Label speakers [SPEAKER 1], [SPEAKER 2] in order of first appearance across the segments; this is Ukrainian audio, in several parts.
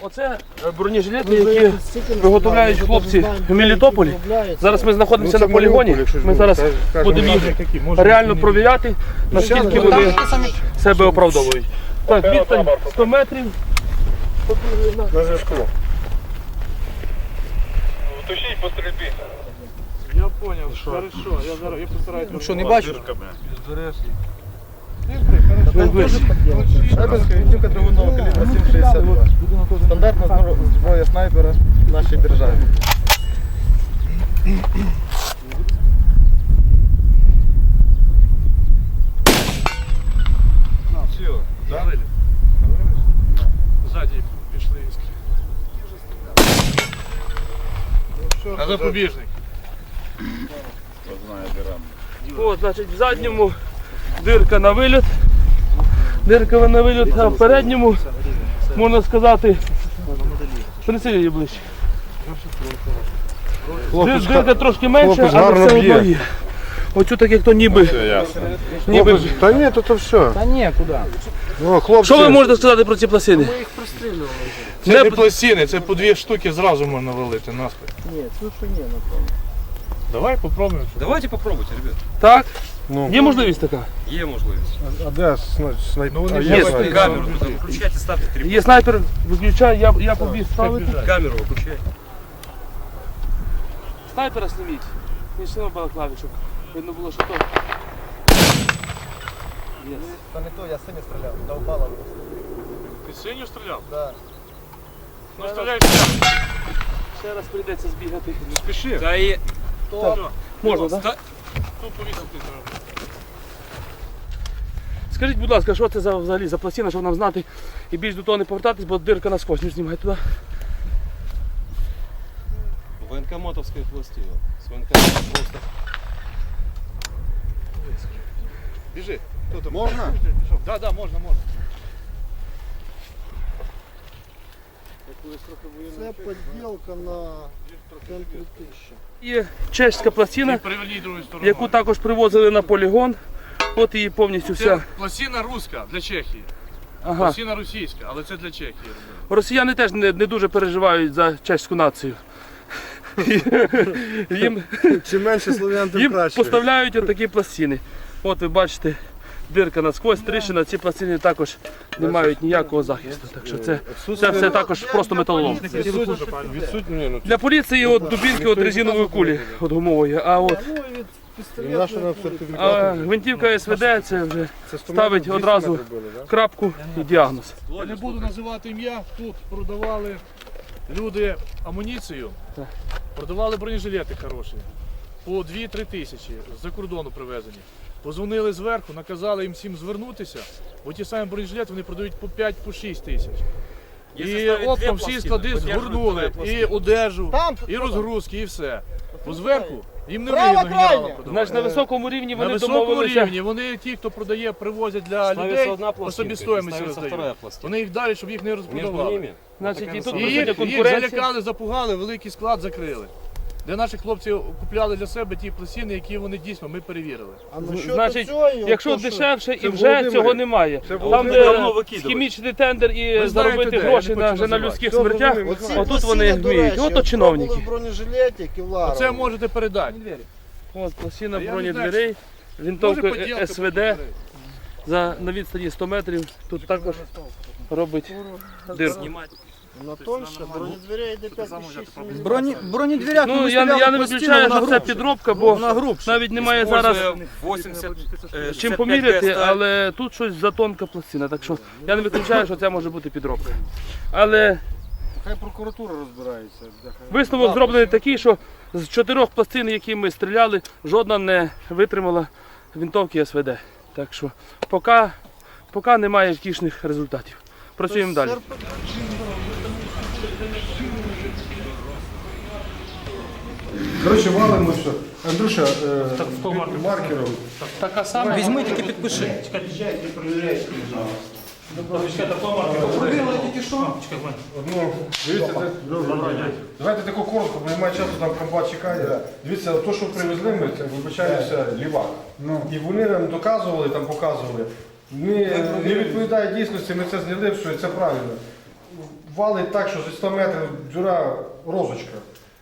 [SPEAKER 1] Оце бронежилети, які виготовляють хлопці в Мелітополі. Зараз ми знаходимося на полігоні. Ми зараз будемо їх реально провіряти, наскільки вони себе оправдовують. Так, відстань 100 метрів.
[SPEAKER 2] На зв'язку.
[SPEAKER 3] Тушіть по стрільбі.
[SPEAKER 4] Я понял, хорошо, я постараюсь.
[SPEAKER 2] Ну що, не бачиш?
[SPEAKER 5] Снайперська винтівка двигунного калібра 7,62. Стандартна зброя снайпера в нашій державі.
[SPEAKER 4] Ззаді пішли іскри. А запобіжник.
[SPEAKER 1] О, значить, в задньому дирка на виліт. Дирка на виліт, а в передньому, можна сказати, принеси її ближче. Дирка трошки менша, але все одно є. Оцю так як то ніби.
[SPEAKER 2] Та ні, то все.
[SPEAKER 5] Та ні, куди?
[SPEAKER 2] Ну, хлопці.
[SPEAKER 1] Що ви можете сказати про ці пластини?
[SPEAKER 5] Ми їх пристрілювали.
[SPEAKER 4] Це не пластини, це по 2 штуки зразу можна валити наспіль.
[SPEAKER 5] Ні, тут що ні, напевно.
[SPEAKER 4] Давай попробуємо.
[SPEAKER 3] Давайте попробуйте, ребят.
[SPEAKER 1] Так?
[SPEAKER 2] Ну.
[SPEAKER 1] Є можливість така?
[SPEAKER 3] Є можливість.
[SPEAKER 2] А де снайпер?
[SPEAKER 4] Ну, вони
[SPEAKER 2] А,
[SPEAKER 4] є
[SPEAKER 2] є
[SPEAKER 4] снайпер.
[SPEAKER 3] Камеру туди включайте, ставте 3.
[SPEAKER 1] Є снайпер, виключай, я побіг ставити.
[SPEAKER 3] Камеру виключайте.
[SPEAKER 1] Снайпера зніміть. Він ще не балаклавічок. Видно було, що то. Є.
[SPEAKER 5] Та не то, я сині стріляв, довбала.
[SPEAKER 4] Ти синю стріляв?
[SPEAKER 5] Так.
[SPEAKER 4] Ну стріляй ще.
[SPEAKER 1] Ще раз прийдеться збігати.
[SPEAKER 4] Не спіши.
[SPEAKER 3] Та і...
[SPEAKER 1] Можна, так?
[SPEAKER 4] Тут повісити треба.
[SPEAKER 1] Скажіть, будь ласка, що це взагалі за пластина, щоб нам знати і більш до того не повертатись, бо дирка насквозь. Не знімай туди.
[SPEAKER 3] Военкоматовская пластина. С военкомата просто...
[SPEAKER 4] Біжи.
[SPEAKER 2] Можна?
[SPEAKER 4] Так, так, можна, можна.
[SPEAKER 5] Це поділка на центрі 1000.
[SPEAKER 1] Є чеська пластина,
[SPEAKER 4] Переверніть другу сторону.
[SPEAKER 1] яку також привозили на полігон. От її повністю
[SPEAKER 4] Це
[SPEAKER 1] вся.
[SPEAKER 4] пластина руська для Чехії.
[SPEAKER 1] Ага.
[SPEAKER 4] Пластина російська, але це для Чехії робили.
[SPEAKER 1] Росіяни теж не дуже переживають за чеську націю.
[SPEAKER 2] Чим менше слов'ян, тим
[SPEAKER 1] Їм
[SPEAKER 2] краще.
[SPEAKER 1] поставляють отакі пластини. От ви бачите, дирка насквозь, тріщина, ці пластини також не мають ніякого захисту. Так що це все також просто металолом.
[SPEAKER 2] Відсутні, ну,
[SPEAKER 1] Для поліції от дубінки от резинової кулі от гумової, а от
[SPEAKER 2] і наша нам сертифікат.
[SPEAKER 1] а гвинтівка СВД це вже
[SPEAKER 2] Це 100
[SPEAKER 1] ставить
[SPEAKER 2] метрів, 200
[SPEAKER 1] одразу
[SPEAKER 2] метрів були, да?
[SPEAKER 1] крапку і діагноз.
[SPEAKER 4] Я не буду називати ім'я, тут продавали люди амуніцію,
[SPEAKER 1] Так.
[SPEAKER 4] продавали бронежилети хороші, по 2-3 тисячі, з-за кордону привезені. Позвонили зверху, наказали їм всім звернутися, бо ті самі бронежилети вони продають по 5-6 тисяч. І оптом всі склади згорнули, і одежу,
[SPEAKER 5] Там,
[SPEAKER 4] і розгрузки, і все. Бо зверху їм не
[SPEAKER 5] Права
[SPEAKER 4] вигідно генерала
[SPEAKER 5] крайня.
[SPEAKER 4] продавати.
[SPEAKER 1] Значить, на високому рівні
[SPEAKER 4] На
[SPEAKER 1] вони
[SPEAKER 4] високому
[SPEAKER 1] домовилися.
[SPEAKER 4] рівні вони, ті, хто продає, привозять для людей, по собі стоїмості роздають. Вони їх далі, щоб їх не розпродавали.
[SPEAKER 1] Значить, і тут
[SPEAKER 4] І
[SPEAKER 1] присутня
[SPEAKER 4] їх
[SPEAKER 1] конкуренція.
[SPEAKER 4] залякали, запугали, великий склад закрили. Де наші хлопці купляли для себе ті пластини, які вони дійсно ми перевірили.
[SPEAKER 5] А насчет
[SPEAKER 1] Значить,
[SPEAKER 5] цього,
[SPEAKER 1] якщо
[SPEAKER 5] то, що
[SPEAKER 1] дешевше і
[SPEAKER 2] Це
[SPEAKER 1] вже
[SPEAKER 2] Володимир.
[SPEAKER 1] цього немає.
[SPEAKER 2] Це
[SPEAKER 1] Там,
[SPEAKER 2] Володимир.
[SPEAKER 3] Давно
[SPEAKER 1] де
[SPEAKER 3] викидали.
[SPEAKER 1] хімічний тендер і
[SPEAKER 4] знаєте,
[SPEAKER 1] заробити
[SPEAKER 4] де, я
[SPEAKER 1] гроші
[SPEAKER 4] не
[SPEAKER 1] на,
[SPEAKER 4] хочу
[SPEAKER 1] вже на
[SPEAKER 4] називати.
[SPEAKER 1] людських
[SPEAKER 2] Все
[SPEAKER 1] смертях,
[SPEAKER 2] зрозуміло.
[SPEAKER 5] Оці
[SPEAKER 1] отут
[SPEAKER 5] пластини,
[SPEAKER 1] вони
[SPEAKER 5] до
[SPEAKER 1] вміють.
[SPEAKER 5] речі,
[SPEAKER 1] Ото
[SPEAKER 5] от
[SPEAKER 1] чиновники.
[SPEAKER 5] пробували бронежилеті Кевларові.
[SPEAKER 4] Оце можете передати.
[SPEAKER 1] От пластина
[SPEAKER 4] А я не
[SPEAKER 1] бронедверей,
[SPEAKER 4] Може,
[SPEAKER 1] винтовка
[SPEAKER 4] поділка
[SPEAKER 1] СВД на відстані 100 метрів. Тут також робить дирку.
[SPEAKER 5] На тоньше, бронедверя йде 5,6.
[SPEAKER 6] Бронедверях
[SPEAKER 1] Ну, я не виключаю, що це підробка, бо навіть немає зараз
[SPEAKER 3] 80...
[SPEAKER 1] чим поміряти, але тут щось затонка пластина. Так що я не виключаю, що це може бути підробка. Але
[SPEAKER 2] Хай прокуратура розбирається.
[SPEAKER 1] висновок зроблений такий, що з 4 пластин, які ми стріляли, жодна не витримала винтовки СВД. Так що поки немає втішних результатів. Працюємо далі.
[SPEAKER 2] Коротше, валимо все. Андрюша, маркером.
[SPEAKER 1] Така сама.
[SPEAKER 6] Візьми, тільки підпиши.
[SPEAKER 2] Одну, дивіться, давайте таку коротко, бо немає часу, там комбат чекає. Дивіться, то, що привезли ми, це, вибачаюся, лівак. І вони нам доказували, там показували. Не відповідає дійсності, ми це зняли, що це правильно. валить так, що зі 100 метрів дюра розочка.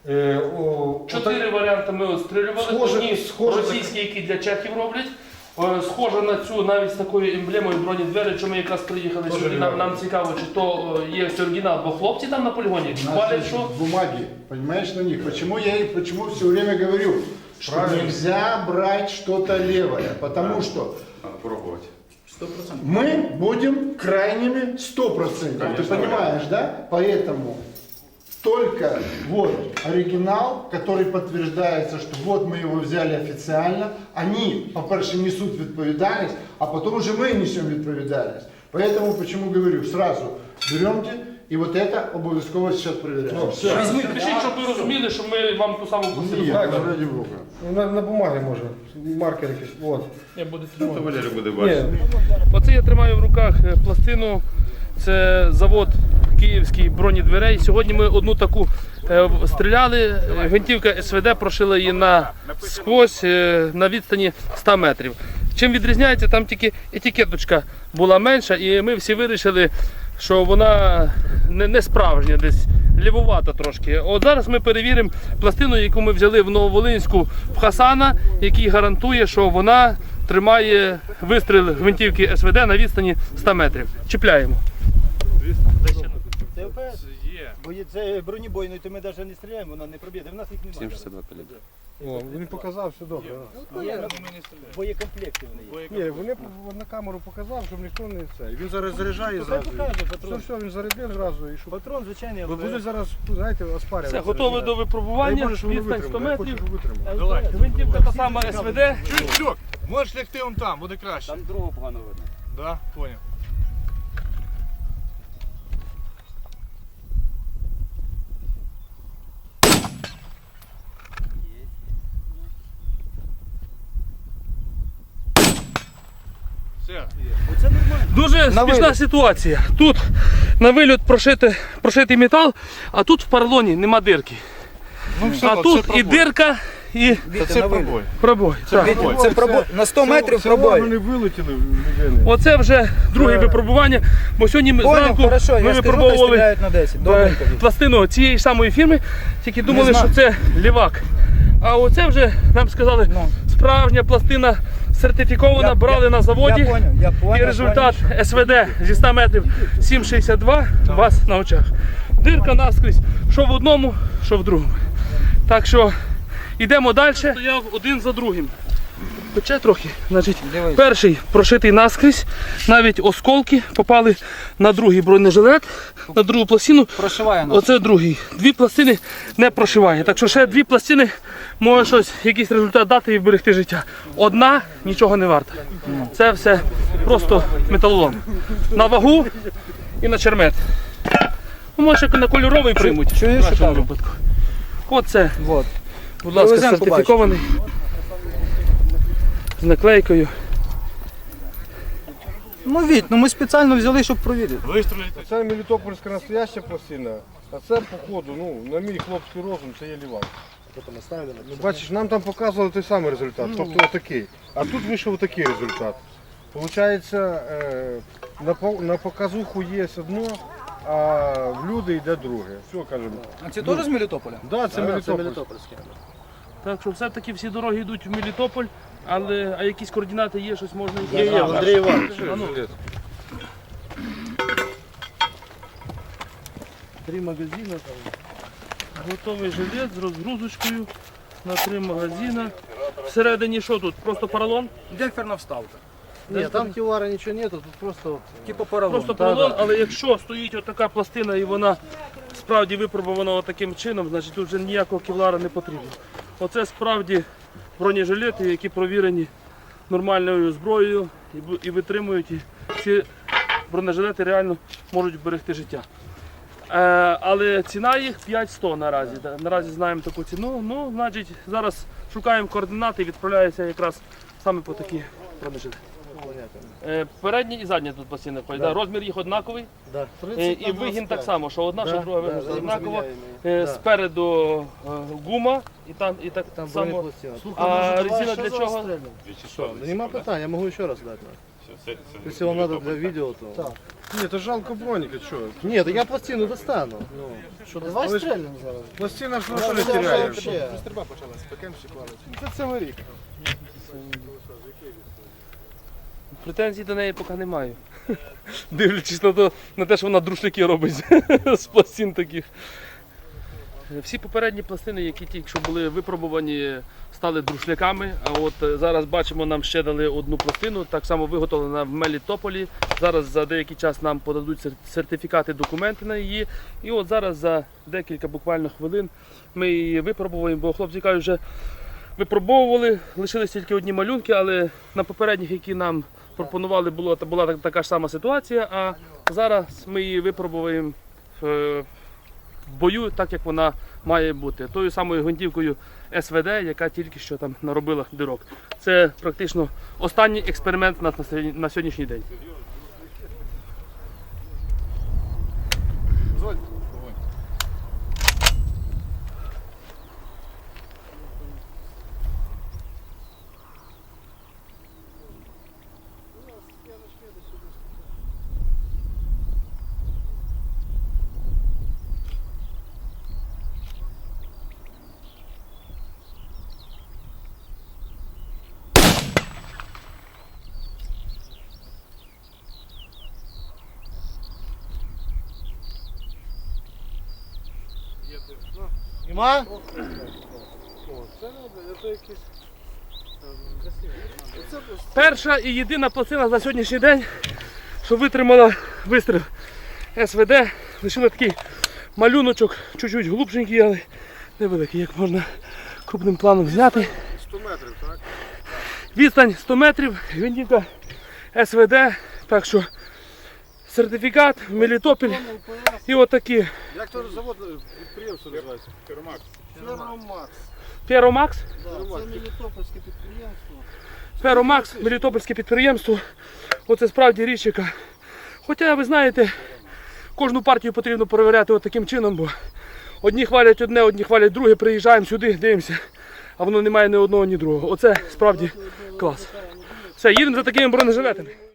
[SPEAKER 1] 4 варіанти ми отстрілювали.
[SPEAKER 2] Схоже-
[SPEAKER 1] Одні
[SPEAKER 2] схоже
[SPEAKER 1] російські, які для чехів роблять. Схоже на цю навіть з такою емблемою бронедвері, що ми якраз приїхали
[SPEAKER 2] Тоже
[SPEAKER 1] сюди. Нам цікаво, чи то є оригінал, бо хлопці там на полігоні хвалять, що
[SPEAKER 6] бумаги, понимаешь, на них. Почему все время говорю, что
[SPEAKER 2] Правильно.
[SPEAKER 6] нельзя брать что-то левое, потому что
[SPEAKER 3] Надо пробовать.
[SPEAKER 6] мы будем крайними 100%. Ты понимаешь, да? Поэтому только вот оригинал, который подтверждается, что вот мы его взяли официально, они, по-перше, несут відповідальність, а потом уже мы несем відповідальність. Поэтому, почему говорю, сразу беремте, и вот это обов'язково сейчас проверяем.
[SPEAKER 1] пишіть, щоб ви розуміли, що ми вам ту саму посилку.
[SPEAKER 6] Нет, ради Бога.
[SPEAKER 2] На бумагі може, маркер якийсь. От.
[SPEAKER 1] Я буду
[SPEAKER 3] Валерий буде
[SPEAKER 2] Ні,
[SPEAKER 3] бачити.
[SPEAKER 1] Оце я тримаю в руках пластину. Це завод київський бронедверей. Сьогодні ми одну таку стріляли. Гвинтівка СВД прошила її насквозь на відстані 100 метрів. Чим відрізняється, там тільки етикеточка була менша, і ми всі вирішили, що вона не справжня, десь лівувата трошки. От зараз ми перевіримо пластину, яку ми взяли в Нововолинську в Хасана, який гарантує, що вона тримає вистріл гвинтівки СВД на відстані 100 метрів. Чіпляємо.
[SPEAKER 5] Це ОПС?
[SPEAKER 4] Є.
[SPEAKER 5] Бо є це бронебойний, то ми навіть не стріляємо, вона не проб'є. В нас їх немає.
[SPEAKER 3] 762 калібр.
[SPEAKER 2] О, він показав, все добре.
[SPEAKER 5] Є боєкомплекти вони є.
[SPEAKER 2] Ні, вони на камеру показав, щоб ніхто не це. Він зараз заряджає
[SPEAKER 5] Хай
[SPEAKER 2] зразу.
[SPEAKER 5] покаже
[SPEAKER 2] Все,
[SPEAKER 5] патрон.
[SPEAKER 2] все, він зарядив зразу і що.
[SPEAKER 5] Патрон, звичайний
[SPEAKER 2] Ви
[SPEAKER 5] ОПС.
[SPEAKER 2] будете зараз, знаєте, оспарювати.
[SPEAKER 1] Все, готове до випробування. Відстань 100 метрів.
[SPEAKER 4] Давай.
[SPEAKER 1] Гвинтівка та сама СВД.
[SPEAKER 4] Чуєш, Льок, можеш лягти он там, буде краще.
[SPEAKER 3] Там другого погано видно.
[SPEAKER 4] Да, понял. Все.
[SPEAKER 5] Оце нормально.
[SPEAKER 1] Дуже смішна ситуація. Тут на вильот прошитий метал, а тут в поролоні нема дирки. А тут і дирка, і
[SPEAKER 5] Це пробой.
[SPEAKER 1] пробой. Так.
[SPEAKER 5] Це пробой. На 100 метрів пробой.
[SPEAKER 2] Вони вилетіли в людини.
[SPEAKER 1] Оце вже друге випробування, бо сьогодні ми
[SPEAKER 5] Понял,
[SPEAKER 1] зранку
[SPEAKER 5] хорошо,
[SPEAKER 1] ми
[SPEAKER 5] я скажу, хай
[SPEAKER 1] випробовували
[SPEAKER 5] стріляють на 10. Добренько.
[SPEAKER 1] пластину цієї ж самої фірми, тільки думали,
[SPEAKER 5] Не знаю.
[SPEAKER 1] що це лівак. А оце вже нам сказали,
[SPEAKER 5] Ну.
[SPEAKER 1] справжня пластина сертифікована, брали на заводі.
[SPEAKER 5] Я понял.
[SPEAKER 1] І результат СВД зі 100 метрів 7,62 у вас на очах. Дирка наскрізь, що в одному, що в другому. Так що йдемо далі. Стояв один за другим. Пече трохи. Значить,
[SPEAKER 5] Дивись.
[SPEAKER 1] перший прошитий наскрізь, навіть осколки попали на другий бронежилет, на другу пластину.
[SPEAKER 5] Прошиває нас.
[SPEAKER 1] Оце другий. Дві пластини не прошиває. Так що ще дві пластини може щось, якийсь результат дати і вберегти життя. Одна нічого не варта. Це все просто металолом. На вагу і на чермет. Ну, може на кольоровий приймуть.
[SPEAKER 5] чуєш,
[SPEAKER 1] в
[SPEAKER 5] що
[SPEAKER 1] нашому
[SPEAKER 5] кажу?
[SPEAKER 1] випадку. Оце,
[SPEAKER 5] Вот.
[SPEAKER 1] будь ласка,
[SPEAKER 5] Привеземо,
[SPEAKER 1] сертифікований. З наклейкою.
[SPEAKER 5] Ну, Віть, ну ми спеціально взяли, щоб провірити.
[SPEAKER 4] Вистрілити.
[SPEAKER 2] Це мелітопольська настояща пластина, а це, походу, ну, на мій хлопський розум, це є лівак. Ну, бачиш, нам там показували той самий результат, тобто отакий. А тут вийшов такий результат. Получається, на показуху є одно, а в люди йде друге. Все, кажемо.
[SPEAKER 5] А це теж з Мелітополя?
[SPEAKER 2] Да, це мелітопольське.
[SPEAKER 1] Так що все-таки всі дороги йдуть в Мелітополь, а якісь координати є, щось можна і
[SPEAKER 2] Є, Андрій Іванович.
[SPEAKER 1] Три магазини. Готовий жилет з розгрузочкою на 3 магазини. Всередині що тут? Просто поролон?
[SPEAKER 5] Демпферна вставка.
[SPEAKER 7] Ні, там ківара нічого нету, тут просто
[SPEAKER 5] Типу поролон.
[SPEAKER 1] Просто поролон, але якщо стоїть отака пластина і вона справді випробована таким чином, значить тут вже ніякого кевлара не потрібно. Оце справді бронежилети, які провірені нормальною зброєю і витримують. І ці бронежилети реально можуть вберегти життя. Але ціна їх 5100 наразі. Наразі знаємо таку ціну. Ну, значить, зараз шукаємо координати і відправляємося якраз саме по такі бронежилети. Передні і задні тут пластини входять. Да. Розмір їх однаковий.
[SPEAKER 7] да.
[SPEAKER 1] І вигін так само, що одна, що друга вигін однаково. Спереду гума і так
[SPEAKER 7] Там
[SPEAKER 1] само.
[SPEAKER 7] бронепластина.
[SPEAKER 1] А резина для чого?
[SPEAKER 7] Що? Нема питань, я можу ще раз дати. Если вам надо для видео, то...
[SPEAKER 6] Так.
[SPEAKER 2] Ні, то жалко броніка, що?
[SPEAKER 7] Нет, я пластину достану. Ну, что, давай
[SPEAKER 2] Але ж-
[SPEAKER 7] стрельнем зараз.
[SPEAKER 2] Пластина ж
[SPEAKER 7] Я
[SPEAKER 2] що не
[SPEAKER 7] взяв
[SPEAKER 2] теряє.
[SPEAKER 7] вообще.
[SPEAKER 5] Стрільба почалась, ПКМщик валить.
[SPEAKER 2] Це цілий рік.
[SPEAKER 1] Претензій до неї поки не маю. Дивлячись на те, що вона друшляки робить з пластин таких. Всі попередні пластини, які тільки що були випробувані, стали друшляками. А от зараз бачимо, нам ще дали одну пластину, так само виготовлена в Мелітополі. Зараз за деякий час нам подадуть сертифікати, документи на її. І от зараз за декілька буквально хвилин ми її випробуємо, бо хлопці кажуть, вже випробовували, лишились тільки одні малюнки, але на попередніх, які нам пропонували, була така ж сама ситуація, а зараз ми її випробуємо в бою, так як вона має бути. Тою самою гвинтівкою СВД, яка тільки що там наробила дирок. Це практично останній експеримент у нас на сьогоднішній день.
[SPEAKER 7] Нема?
[SPEAKER 1] Перша і єдина пластина за сьогоднішній день, що витримала вистріл СВД. Лишили такий малюночок, чуть-чуть глубшенький, але невеликий, як можна крупним планом зняти.
[SPEAKER 2] 100 метрів, так?
[SPEAKER 1] Відстань 100 метрів, гвинтівка СВД, так що сертифікат, Мелітополь і отакі.
[SPEAKER 2] Як то завод, підприємство називається?
[SPEAKER 6] Ферромакс.
[SPEAKER 1] Феромакс.
[SPEAKER 6] Да, це Мелітопольське підприємство.
[SPEAKER 1] Феромакс, Мелітопольське підприємство. Оце справді річ, яка. Хоча, ви знаєте, кожну партію потрібно перевіряти от таким чином, бо одні хвалять одне, одні хвалять друге, приїжджаємо сюди, дивимося, а воно не має ні одного, ні другого. Оце справді клас. Все, їдемо за такими бронежилетами.